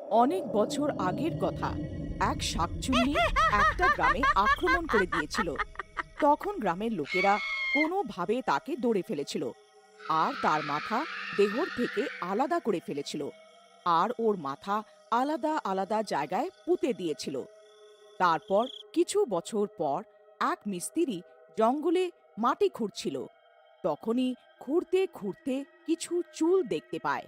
অনেক বছর আগের কথা। এক শাকচুন্নি একটা গ্রামে আক্রমণ করে দিয়েছিল। তখন গ্রামের লোকেরা কোনোভাবে তাকে ধরে ফেলেছিল আর তার মাথা দেহর থেকে আলাদা করে ফেলেছিল আর ওর মাথা আলাদা আলাদা জায়গায় পুঁতে দিয়েছিল। তারপর কিছু বছর পর এক মিস্ত্রি জঙ্গলে মাটি খুঁড়ছিল। তখনই খুঁড়তে খুঁড়তে কিছু চুল দেখতে পায়।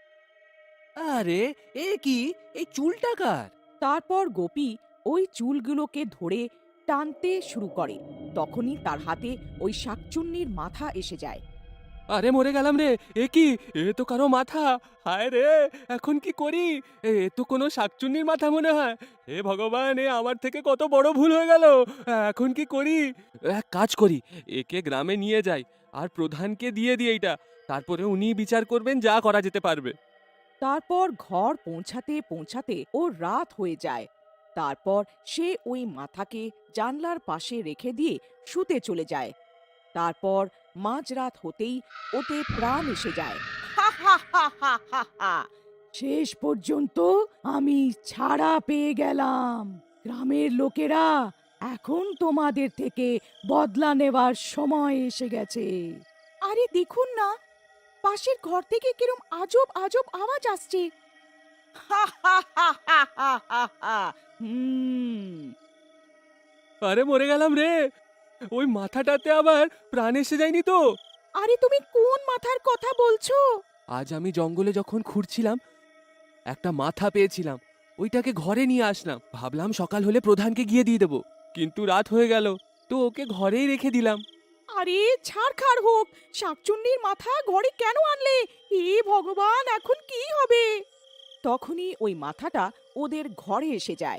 আরে, এ কি? এই চুলটা কার? তারপর গোপী ওই চুলগুলোকে ধরে টানতে শুরু করে। তখনই তার হাতে ওই শাকচুন্নির মাথা এসে যায়। আরে, মরে গেলাম রে! এ কি? এ তো কারো মাথা! হায় রে! এখন কি করি? এ তো কোনো শাকচুন্নির মাথা মনে হয়। হে ভগবান! এ আমার থেকে কত বড় ভুল হয়ে গেল। এখন কি করি? এক কাজ করি, একে গ্রামে নিয়ে যাই আর প্রধানকে দিয়ে দিই এইটা। তারপরে উনিই বিচার করবেন, যা করা যেতে পারবে। তারপর ঘর পৌঁছাতে পৌঁছাতে ওর রাত হয়ে যায়। তারপর সে ওই মাথাকে জানলার পাশে রেখে দিয়ে শুতে চলে যায়। তারপর মাঝরাত হতেই ওতে প্রাণ এসে যায়। হা হা হা হা হা হা। শেষ পর্যন্ত আমি ছাড়া পেয়ে গেলাম। গ্রামের লোকেরা, এখন তোমাদের থেকে বদলা নেওয়ার সময় এসে গেছে। আরে দেখুন না, পাশের ঘর থেকে কিরম আজব আজব আওয়াজ আসছে। হা হা হা হা হা হা হা। হুম। আরে, মরে গেলাম রে! ওই মাথাটাতে আবার প্রাণ এসে যায়নি তো? আরে তুমি কোন মাথার কথা বলছো? আজ আমি জঙ্গলে যখন খুঁড়ছিলাম, একটা মাথা পেয়েছিলাম। ওইটাকে ঘরে নিয়ে আসলাম, ভাবলাম সকাল হলে প্রধানকে গিয়ে দিয়ে দেবো। কিন্তু রাত হয়ে গেল, তো ওকে ঘরেই রেখে দিলাম। আরে ছাড়খাড় হোক, শাকচুন্নির মাথা ঘরে কেন আনলে? হে ভগবান, এখন কি হবে? তখনই ওই মাথাটা ওদের ঘরে এসে যায়।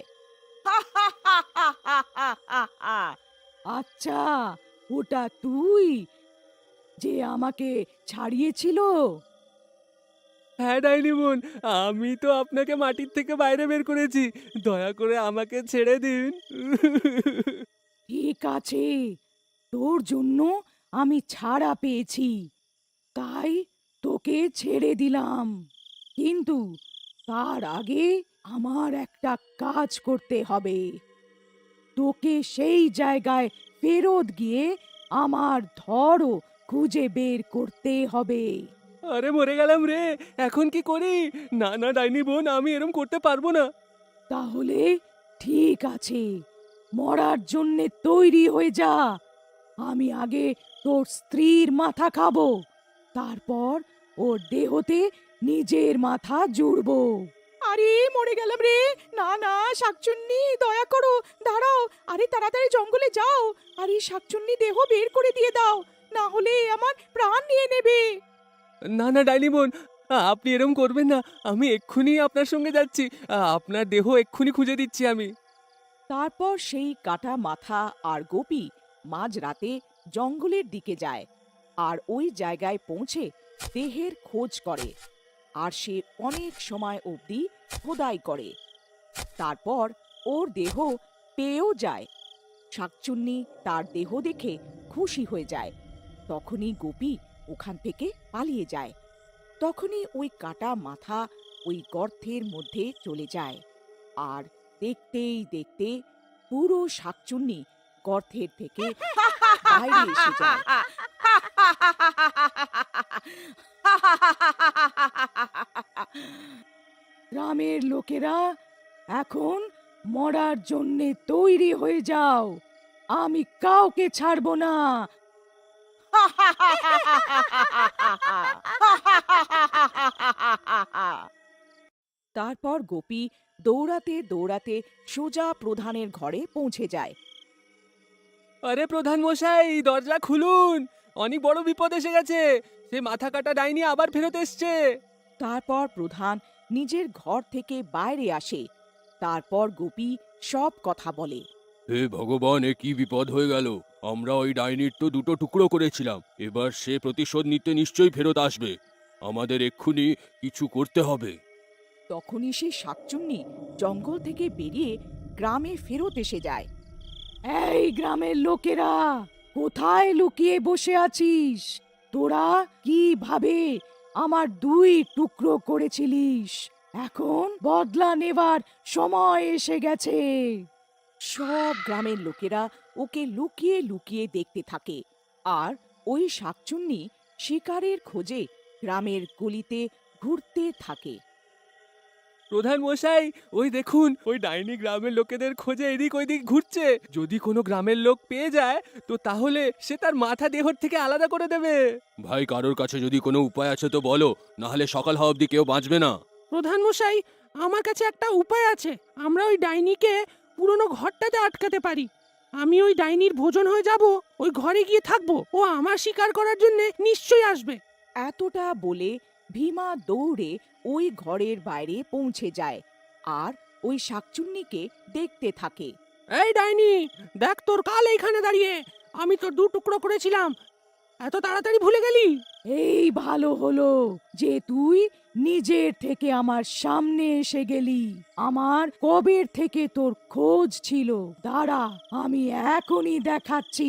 আচ্ছা, ওটা তুই যে আমাকে ছাড়িয়েছিল? হ্যাঁ ডাইনি বোন, আমি তো আপনাকে মাটির থেকে বাইরে বের করেছি। দয়া করে আমাকে ছেড়ে দিন। ঠিক আছে, তোর জন্য আমি ছাড়া পেয়েছি, তাই তোকে ছেড়ে দিলাম। কিন্তু তার আগে আমার একটা কাজ করতে হবে। তোকে সেই জায়গায় ফেরত গিয়ে আমার ধরও খুঁজে বের করতে হবে। আরে, মরে গেলাম রে! এখন কি করি? না না ডাইনি বোন, আমি এরম করতে পারবো না। তাহলে ঠিক আছে, মরার জন্যে তৈরি হয়ে যা। আমি আগে তোর স্ত্রীর মাথা খাবো, তারপর ওর দেহতে নিজের মাথা জুড়বো। আরে মরে গেলাম রে! না না, শাকচুন্নি দয়া করো, দাঁড়াও। আরে তাড়াতাড়ি জঙ্গলে যাও। আরে শাকচুন্নি দেহ বের করে দিয়ে দাও, না হলে আমার প্রাণ নিয়ে নেবে। না না ডাইনি বোন, আপনি এরম করবেন না। আমি এক্ষুনি আপনার সঙ্গে যাচ্ছি। আপনার দেহ এক্ষুনি খুঁজে দিচ্ছি আমি। তারপর সেই কাটা মাথা আর গোপী মাঝরাতে জঙ্গলের দিকে যায় আর ওই জায়গায় পৌঁছে দেহের খোঁজ করে। আর সে অনেক সময় অবধি খোদাই করে। তারপর ওর দেহ পেয়েও যায়। শাকচুন্নি তার দেহ দেখে খুশি হয়ে যায়। তখনই গোপী ওখান থেকে পালিয়ে যায়। তখনই ওই কাটা মাথা ওই গর্তের মধ্যে চলে যায়। আর দেখতেই দেখতে পুরো শাকচুন্নি গর্তের থেকে বাইরে এসে যায়। গ্রামের লোকেরা, এখন মরার জন্যে তৈরি হয়ে যাও। আমি কাউকে ছাড়বো না। তারপর গোপী দৌড়াতে দৌড়াতে সোজা প্রধানের ঘরে পৌঁছে যায়। আরে প্রধান মশাই, দরজা খুলুন! অনেক বড় বিপদ এসে গেছে। সে মাথা কাটা ডাইনি আবার ফেরত এসছে। তারপর প্রধান নিজের ঘর থেকে বাইরে আসে। তারপর গোপী সব কথা বলে। হে ভগবান, এ কি বিপদ হয়ে গেল! আমরা ওই ডাইনির তো দুটো টুকরো করেছিলাম। এবার সে প্রতিশোধ নিতে নিশ্চয়ই ফেরত আসবে। আমাদের এক্ষুনি কিছু করতে হবে। তখনই সে শাকচুন্নি জঙ্গল থেকে বেরিয়ে গ্রামে ফেরত এসে যায়। এই গ্রামের লোকেরা, কোথায় লুকিয়ে বসে আছিস? তোরা কিভাবে আমার দুই টুকরো করেছিলিস? এখন বদলা নেবার সময় এসে গেছে। সব গ্রামের লোকেরা ওকে লুকিয়ে লুকিয়ে দেখতে থাকে, আর ওই শাকচুন্নি শিকারের খোঁজে গ্রামের গলিতে ঘুরতে থাকে। প্রধান মশাই, ওই দেখুন, ওই ডাইনি গ্রামের লোকেদের খোঁজে এদিক ওইদিক ঘুরছে। যদি কোনো গ্রামের লোক পেয়ে যায় তো তাহলে সে তার মাথা দেহর থেকে আলাদা করে দেবে। ভাই, কারোর কাছে যদি কোনো উপায় আছে তো বলো, না হলে সকাল হওয়া অবধি কেউ বাঁচবে না। প্রধান মশাই, আমার কাছে একটা উপায় আছে। আমরা ওই ডাইনিকে পুরনো ঘরটাতে আটকাতে পারি। আমি ওই ডাইনির ভোজন হয়ে যাব, ওই ঘরে গিয়ে থাকবো। ও আমার শিকার করার জন্য নিশ্চয়ই আসবে। এতটা বলে ভীমা দৌড়ে ওই ঘরের বাইরে পৌঁছে যায় আর ওই শাকচুন্নিকে দেখতে থাকে। এই ডাইনি, দেখ তোর কাল এইখানে দাঁড়িয়ে। আমি তো 2 টুকরো করেছিলাম, এত তাড়াতাড়ি ভুলে গেলি? এই ভালো হলো যে তুই নিজের থেকে আমার সামনে এসে গেলি। আমার কবের থেকে তোর খোঁজ ছিল, দাঁড়া আমি এখনই দেখাচ্ছি।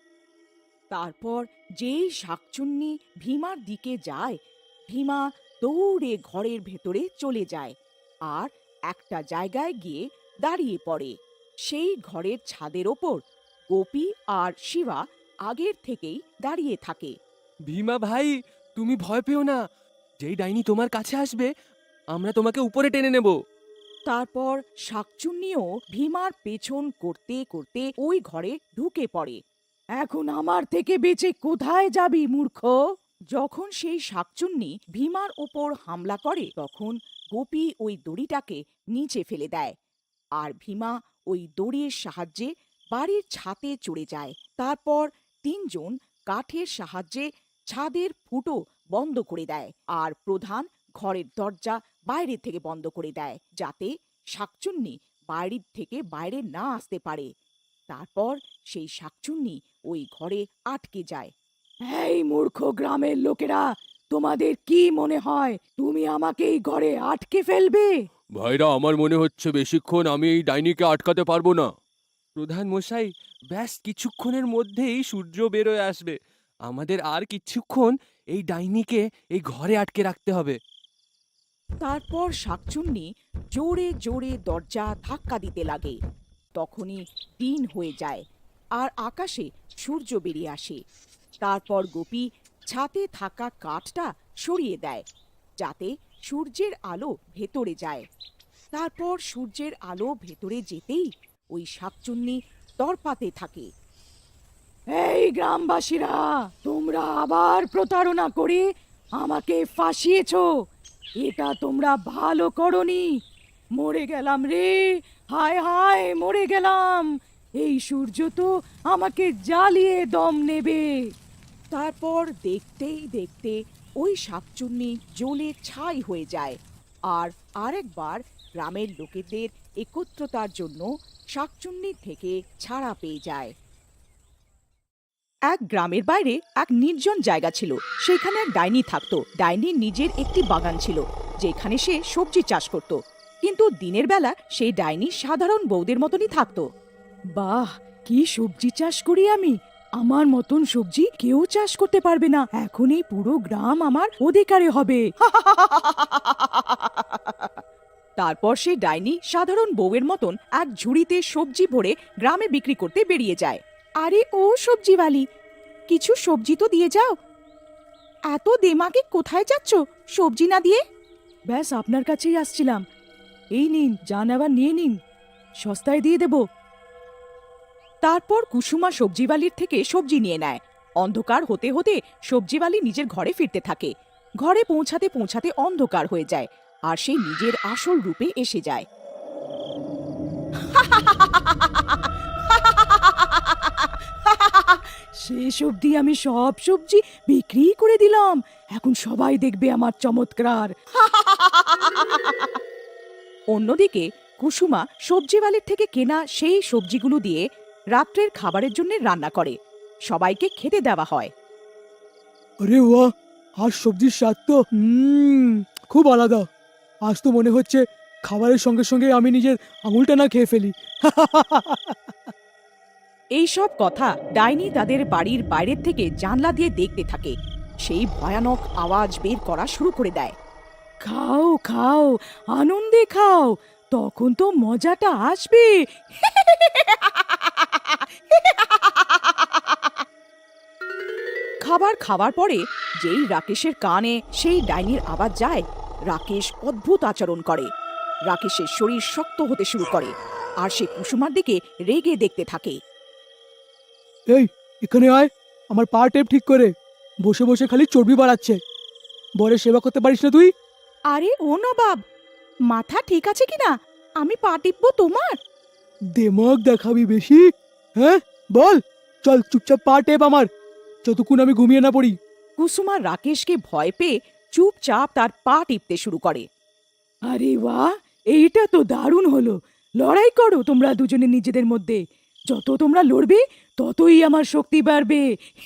তারপর যেই শাকচুন্নি ভীমার দিকে যায়, ভীমা দৌড়ে ঘরের ভেতরে চলে যায় আর একটা জায়গায় গিয়ে দাঁড়িয়ে পড়ে। সেই ঘরের ছাদের ওপর গোপী আর শিবা আগের থেকেই দাঁড়িয়ে থাকে। ভীমা ভাই, তুমি ভয় পেও না। যেই ডাইনি তোমার কাছে আসবে আমরা তোমাকে উপরে টেনে নেব। তারপর শাকচুন্নিও ভীমার পেছন করতে করতে ওই ঘরে ঢুকে পড়ে। এখন আমার থেকে বেঁচে কোথায় যাবি মূর্খ? যখন সেই শাকচুন্নি ভীমার ওপর হামলা করে তখন গোপী ওই দড়িটাকে নিচে ফেলে দেয় আর ভীমা ওই দড়ির সাহায্যে বাড়ির ছাদে চড়ে যায়। তারপর 3 জন কাঠের সাহায্যে ছাদের ফুটো বন্ধ করে দেয় আর প্রধান ঘরের দরজা বাইরে থেকে বন্ধ করে দেয়, যাতে শাকচুন্নি বাড়ির থেকে বাইরে না আসতে পারে। তারপর সেই শাকচুন্নি ওই ঘরে আটকে যায়। এই মূর্খ গ্রামের লোকেরা, তোমাদের কি মনে হয় তুমি আমাকে এই ঘরে আটকে ফেলবে? ভাইরা, আমার মনে হচ্ছে বেশিক্ষণ আমি এই ডাইনিকে আটকাতে পারবো না। প্রধান মশাই, ব্যাস কিছুক্ষণের মধ্যেই সূর্য বেরোয় আসবে। আমাদের আর কিছুক্ষণ এই ডাইনিকে এই ঘরে আটকে রাখতে হবে। তারপর শাকচুন্নি জোরে জোরে দরজা ধাক্কা দিতে লাগে। তখনই দিন হয়ে যায় আর আকাশে সূর্য বেরিয়ে আসে। তারপর গোপী ছাতে থাকা কাঠটা সরিয়ে দেয়, যাতে সূর্যের আলো ভেতরে যায়। তারপর সূর্যের আলো ভেতরে যেতেই ওই শাকচুন্নি তরপাতে থাকে। এই গ্রামবাসীরা, তোমরা আবার প্রতারণা করে আমাকে ফাঁসিয়েছো। এটা তোমরা ভালো করনি। মরে গেলাম রে, হায় হায় মরে গেলাম। এই সূর্য তো আমাকে জ্বালিয়ে দম নেবে। তারপর দেখতেই দেখতে ওই শাকচুন্নি জ্বলে ছাই হয়ে যায় আর আরেকবার গ্রামের লোকেদের একত্রতার জন্য শাকচুন্নি থেকে ছাড়া পেয়ে যায়। এক গ্রামের বাইরে এক নির্জন জায়গা ছিল। সেখানে এক ডাইনি থাকতো। ডাইনির নিজের একটি বাগান ছিল, যেখানে সে সবজি চাষ করত। কিন্তু দিনের বেলা সেই ডাইনি সাধারণ বউদের মতনই থাকতো। বাহ, কি সবজি চাষ করি আমি! আমার মতন সবজি কেউ চাষ করতে পারবে না। এখন এই পুরো গ্রাম আমার অধিকারে হবে। তারপর সেই ডাইনি সাধারণ বউয়ের মতন এক ঝুড়িতে সবজি ভরে গ্রামে বিক্রি করতে বেরিয়ে যায়। আরে ও সবজিওয়ালি, কিছু সবজি তো দিয়ে যাও। এত দেমাকে কোথায় যাচ্ছ সবজি না দিয়ে? ব্যাস আপনার কাছেই আসছিলাম। এই নিন, যা নেবার নিয়ে নিন, সস্তায় দিয়ে দেব। তারপর কুসুমা সবজিওয়ালির থেকে সবজি নিয়ে নেয়। অন্ধকার হতে হতে সবজিওয়ালি নিজের ঘরে ফিরতে থাকে। ঘরে পৌঁছাতে পৌঁছাতে অন্ধকার হয়ে যায় আর সে নিজের আসল রূপে এসে যায়। শেষ অবধি আমি সব সবজি বিক্রি করে দিলাম। এখন সবাই দেখবে আমার চমৎকার। অন্যদিকে কুসুমা সবজিওয়ালির থেকে কেনা সেই সবজিগুলো দিয়ে রাত্রের খাবারের জন্য রান্না করে। সবাইকে খেতে দেওয়া হয়। আরে বাহ, আর সবজির স্বাদ তো খুব আলাদা। আজ তো মনে হচ্ছে খাবারের সঙ্গে সঙ্গে আমি নিজের আঙুলটা না খেয়ে ফেলি। এইসব কথা ডাইনি তাদের বাড়ির বাইরের থেকে জানলা দিয়ে দেখতে থাকে। সেই ভয়ানক আওয়াজ বের করা শুরু করে দেয়। খাও খাও, আনন্দে খাও, তখন তো মজাটা আসবে। খাবার খাওয়ার পরে যেই রাকেশের কানে সেই ডাইনির আওয়াজ যায়, রাকেশ অদ্ভুত আচরণ করে। রাকেশের শরীর শক্ত হতে শুরু করে আর সে কুসুমার দিকে রেগে দেখতে থাকে। এই এখানে আয়, আমার পা টেপ ঠিক করে। বসে বসে খালি চর্বি বাড়াচ্ছে। বরের সেবা করতে পারিস না তুই? আরে ও নবাব, মাথা ঠিক আছে কিনা? আমি পা টিপবো তোমার? দেমাগ দেখাবি বেশি? হ্যাঁ বল, চল চুপচাপ পা টেপ আমার, যতক্ষণ আমি ঘুমিয়ে না পড়ি। কুসুমা রাকেশকে ভয় পেয়ে চুপচাপ তার পা টিপতে শুরু করে। আরে বাহ, এইটা তো দারুণ হলো। লড়াই করো তোমরা দুজনে নিজেদের মধ্যে। যত তোমরা লড়বে ততই আমার শক্তি বাড়বে।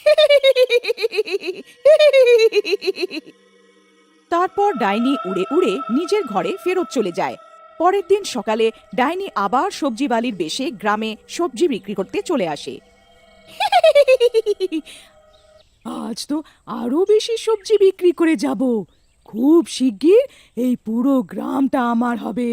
তারপর ডাইনি উড়ে উড়ে নিজের ঘরে ফেরত চলে যায়। পরের দিন সকালে ডাইনি আবার সবজিবালির বেশে গ্রামে সবজি বিক্রি করতে চলে আসে। আজ তো আরো বেশি সবজি বিক্রি করে যাব। খুব শিগগির এই পুরো গ্রামটা আমার হবে।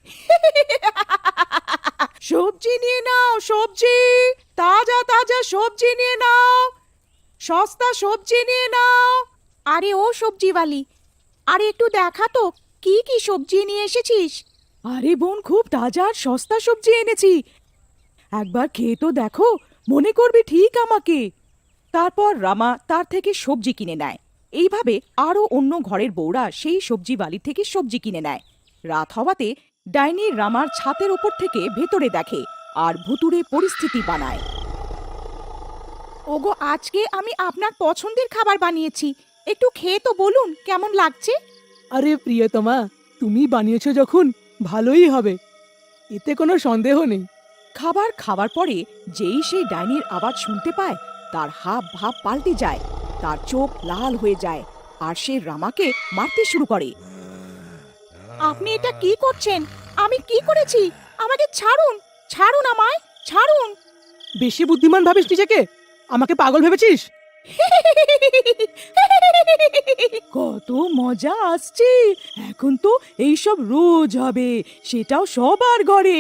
সবজি নিয়ে নাও, সবজি, তাজা তাজা সবজি নিয়ে নাও, সস্তা সবজি নিয়ে নাও। আরে ও সবজিওয়ালি, আরে একটু দেখা তো কি কি সবজি নিয়ে এসেছিস। আরে বোন, খুব তাজা আর সস্তা সবজি এনেছি, একবার খেয়ে তো দেখো, মনে করবে ঠিক আমাকে। তারপর রামা তার থেকে সবজি কিনে নেয়। এইভাবে আরও অন্য ঘরের বউরা সেই সবজি বালি থেকে সবজি কিনে নেয়। রাত হওয়াতে ডাইনি রামার ছাতের ওপর থেকে ভেতরে দেখে আর ভুতুড়ে পরিস্থিতি বানায়। ওগো, আজকে আমি আপনার পছন্দের খাবার বানিয়েছি, একটু খেয়ে তো বলুন কেমন লাগছে। আরে প্রিয়তমা, তুমি বানিয়েছো যখন ভালোই হবে, এতে কোনো সন্দেহ নেই। খাবার খাওয়ার পরে যেই সেই ডাইনির আওয়াজ শুনতে পায়, তার হাব ভাব পাল্টে যায়, তার চোখ লাল হয়ে যায় আর সে রামাকে মারতে শুরু করে। আপনি এটা কি করছেন? আমি কি করেছি? আমাকে ছাড়ুন, ছাড়ুন, আমায় ছাড়ুন। বেশি বুদ্ধিমান ভাবিস নিজেকে? আমাকে পাগল ভেবেছিস? কত মজা আসছে, এখন তো এইসব রোজ হবে, সেটাও সবার ঘরে।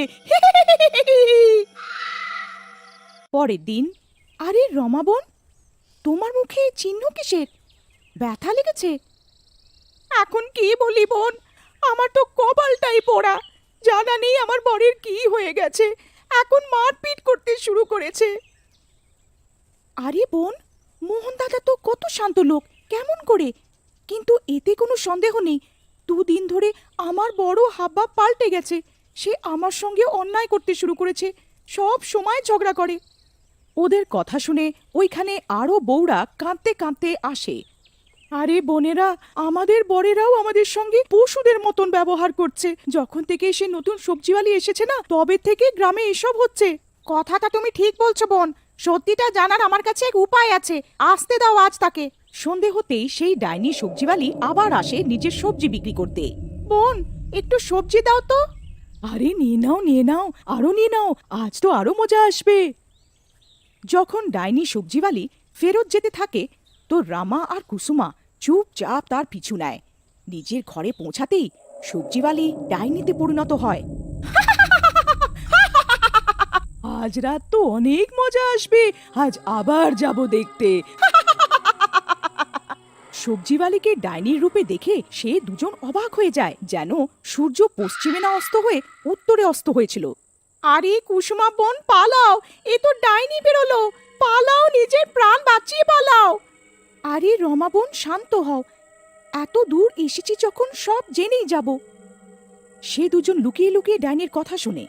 পরের দিন, আরে রমা বোন, তোমার মুখে চিহ্ন কিসের? ব্যথা লেগেছে? এখন কি বলি বোন, আমার তো কপালটাই পোড়া। জানা নেই আমার বরের কি হয়ে গেছে, এখন মারপিট করতে শুরু করেছে। আরে বোন, মোহন দাদা তো কত শান্ত লোক, কেমন করে? কিন্তু এতে কোনো সন্দেহ নেই, দুদিন ধরে আমার বড় হাবভাব পাল্টে গেছে। সে আমার সঙ্গে অন্যায় করতে শুরু করেছে, সব সময় ঝগড়া করে। ওদের কথা শুনে ওইখানে আরও বউরা কাঁদতে কাঁদতে আসে। আরে বোনেরা, আমাদের বরেরাও আমাদের সঙ্গে পশুদের মতন ব্যবহার করছে। যখন থেকে সে নতুন সবজিওয়ালি এসেছে না, তবে থেকে গ্রামে এসব হচ্ছে। কথাটা তুমি ঠিক বলছো বোন, সত্যিটা জানার আমার কাছে এক উপায় আছে, আসতে দাও আজ তাকে। সন্ধে হতেই সেই ডাইনি সবজিওয়ালি আবার আসে নিজের সবজি বিক্রি করতে। বোন, একটু সবজি দাও তো। আরে নিয়ে নাও, নিয়ে নাও, আরো নিয়ে নাও, আজ তো আরো মজা আসবে। যখন ডাইনি সবজিওয়ালি ফেরত যেতে থাকে, তো রামা আর কুসুমা চুপচাপ তার পিছু নেয়। নিজের ঘরে পৌঁছাতেই সবজিওয়ালি ডাইনিতে পরিণত হয়। আজ রাত তো অনেক মজা আসবে, আজ আবার যাব দেখতে। সবজিওয়ালিকে ডাইনির রূপে দেখে সে দুজন অবাক হয়ে যায়, যেন সূর্য পশ্চিমে না অস্ত হয়ে উত্তরে অস্ত হয়েছিল। আরে কুসুমা বোন, পালাও, এ তো ডাইনি বেরোলো, পালাও, নিজের প্রাণ বাঁচিয়ে পালাও। আরে রমা বোন, শান্ত হও, এত দূর এসেছি যখন সব জেনেই যাব। সে দুজন লুকিয়ে লুকিয়ে ডাইনির কথা শুনে।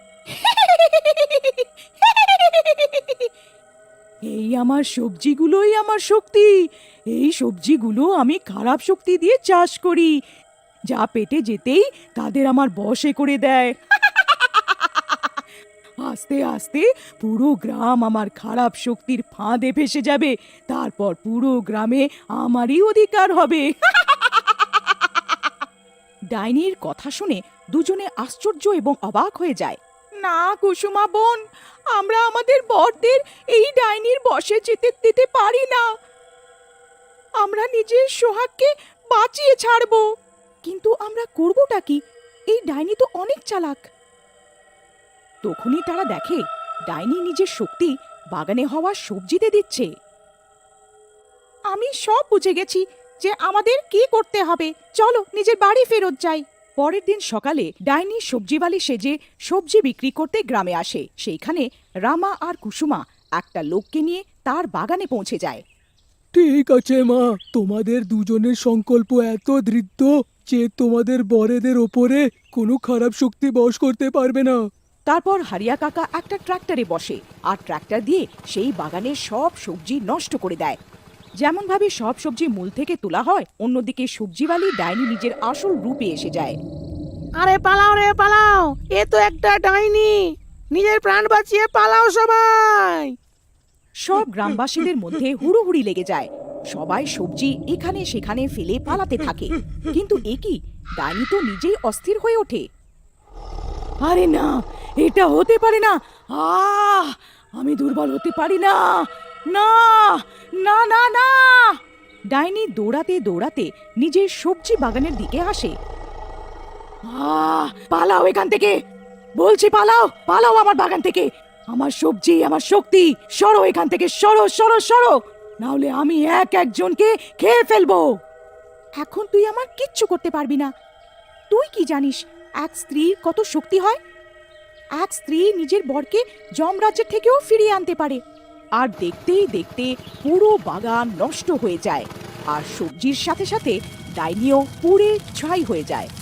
এই আমার সবজিগুলোই আমার শক্তি, এই সবজিগুলো আমি খারাপ শক্তি দিয়ে চাষ করি, যা পেটে যেতেই তাদের আমার বশে করে দেয়। আস্তে আস্তে পুরো গ্রাম আমার খারাপ শক্তির ফাঁদে ফেসে যাবে, তারপর পুরো গ্রামে আমারই অধিকার হবে। ডাইনির কথা শুনে দুজনে আশ্চর্য এবং অবাক হয়ে যায়। না কুসুমা বোন, আমরা আমাদের বরদের এই ডাইনির বশে যেতে দিতে পারি না, আমরা নিজের সোহাগকে বাঁচিয়ে ছাড়ব। কিন্তু আমরা করবোটা কি? এই ডাইনি তো অনেক চালাক। তখনই তারা দেখে ডাইনি নিজের শক্তি বাগানে হওয়া সবজিতে দিচ্ছে। আমি সব বুঝে গেছি যে আমাদের কি করতে হবে। চলো নিজের বাড়ি ফেরত যাই। পরের দিন সকালে ডাইনি সবজিওয়ালি সেজে সবজি বিক্রি করতে গ্রামে আসে। সেইখানে রামা আর কুসুমা একটা লোককে নিয়ে তার বাগানে পৌঁছে যায়। ঠিক আছে মা, তোমাদের দুজনের সংকল্প এত দৃঢ় যে তোমাদের বরেদের ওপরে কোনো খারাপ শক্তি বশ করতে পারবে না। তারপর হারিয়া কাকা একটা ট্রাক্টরে বসে আর ট্রাক্টর দিয়ে সেই বাগানের সব সবজি নষ্ট করে দেয়। যেমনভাবে সব সবজি মূল থেকে তোলা হয়, অন্যদিকে সবজিওয়ালি ডাইনি নিজের আসল রূপে এসে যায়। আরে পালাও রে পালাও, এ তো একটা ডাইনি, নিজের প্রাণ বাঁচিয়ে পালাও সবাই। সব গ্রামবাসীদের মধ্যে হুড়োহুড়ি লেগে যায়। সবাই সবজি এখানে সেখানে ফেলে পালাতে থাকে। কিন্তু এ কি, ডাইনি তো নিজেই অস্থির হয়ে ওঠে। আরে না, এটা হতে পারে না। আমি দুর্বল হতে পারি না। না না না না। ডাইনি দৌড়াতে দৌড়াতে নিজের সবজি বাগানের দিকে আসে। পালাও এখান থেকে, বলছি পালাও, পালাও আমার বাগান থেকে। আমার সবজি, আমার শক্তি, সরো এখান থেকে, সরো সরো সরো, নাহলে আমি একজনকে খেয়ে ফেলবো। এখন তুই আমার কিচ্ছু করতে পারবি না। তুই কি জানিস এক স্ত্রীর কত শক্তি হয়? এক স্ত্রী নিজের বরকে যমরাজ্যের থেকেও ফিরিয়ে আনতে পারে। আর দেখতেই দেখতে পুরো বাগান নষ্ট হয়ে যায়, আর সবজির সাথে সাথে ডাইনিও পুড়ে ছাই হয়ে যায়।